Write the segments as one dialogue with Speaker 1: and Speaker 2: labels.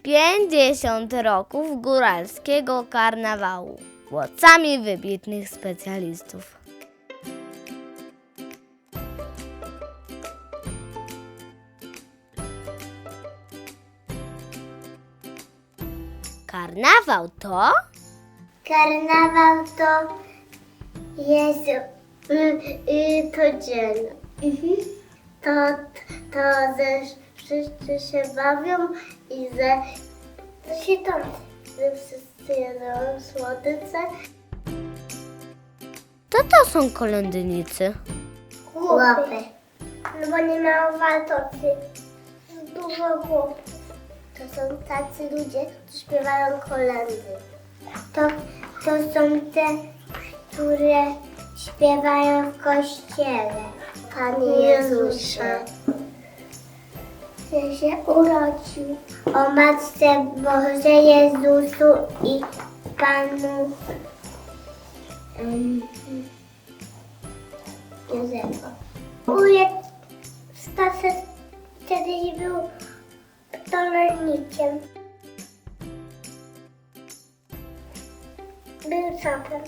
Speaker 1: 50 roków góralskiego karnawału. Głosami wybitnych specjalistów. Karnawał to?
Speaker 2: Karnawał to jest to dzień. Wszyscy się bawią i że wszyscy jedzą słodycze.
Speaker 1: To są kolędnicy.
Speaker 2: Chłopy. No bo nie mają wartości. Dużo chłopów. To są tacy ludzie, którzy śpiewają kolędy. To są te, które śpiewają w kościele. Panie Jezusie, że się urodził. O Matce Boże Jezusu i Panu Józefa. Wujek Staszek kiedyś był rolnikiem. Był czapem.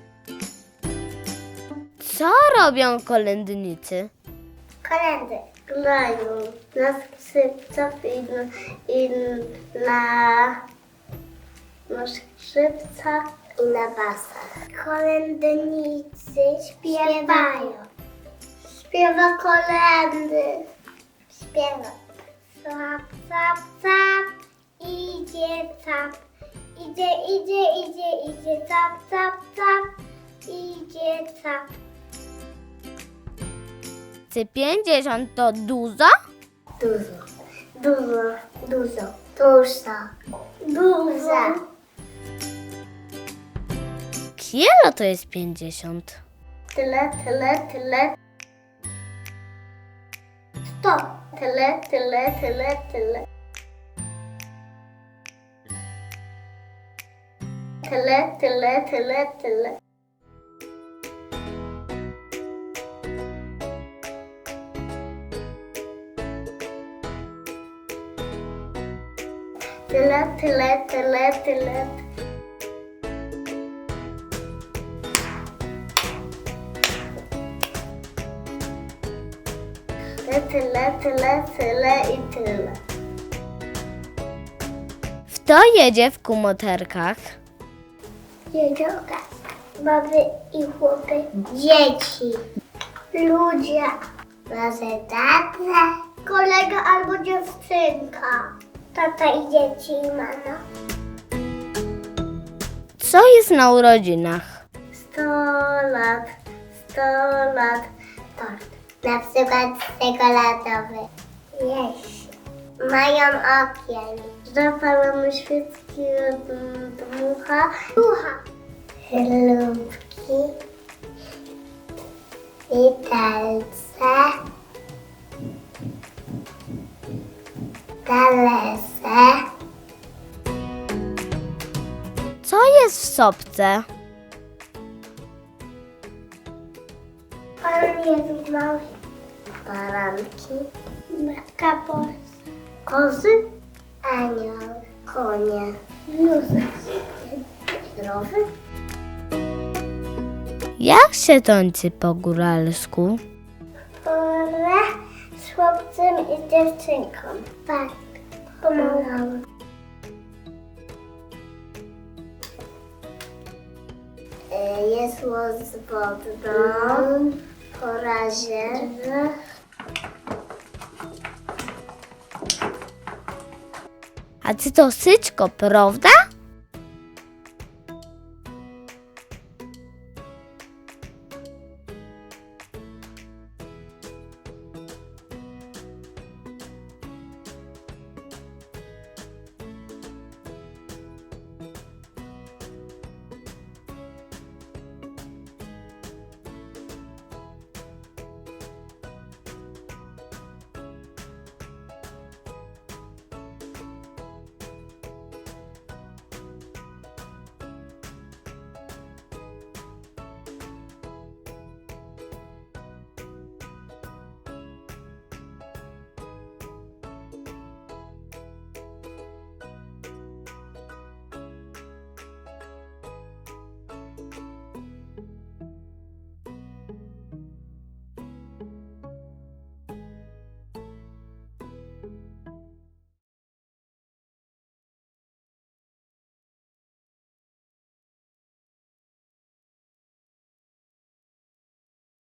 Speaker 1: Co robią kolędnicy?
Speaker 2: Kolendy grają na skrzypcach i na skrzypcach i na basach. Kolędnicy śpiewają. Śpiewa kolendy. Śpiewa. Cap, cap, cap. Idzie cap. Idzie, cap, cap, cap. Idzie cap.
Speaker 1: Czy 50 to dużo?
Speaker 2: Dużo.
Speaker 1: Kielo to jest 50.
Speaker 2: Tyle. 100. Tyle. Tyle. Tyle.
Speaker 1: Kto jedzie w kumoterkach?
Speaker 2: Jedziorka, baby i chłopy, dzieci, ludzie, może tata, kolega albo dziewczynka, tata i dzieci i mama.
Speaker 1: Co jest na urodzinach?
Speaker 2: 100 lat, tort. Na przykład czekoladowy. Jeść. Mają okien. Zapalamy świeczki od dmucha. Chlubki. Widelce. Talerze.
Speaker 1: Co jest w sopce?
Speaker 2: Pan Jezus mały. Baranki. Kapos. Kozy. Anioł. Konie. Józef. Zdrowy.
Speaker 1: Jak się tańczy po góralsku?
Speaker 2: Pora z chłopcem i dziewczynką. Tak. Pomagamy. Jesło z wodą. Po razie.
Speaker 1: A czy to syczko, prawda?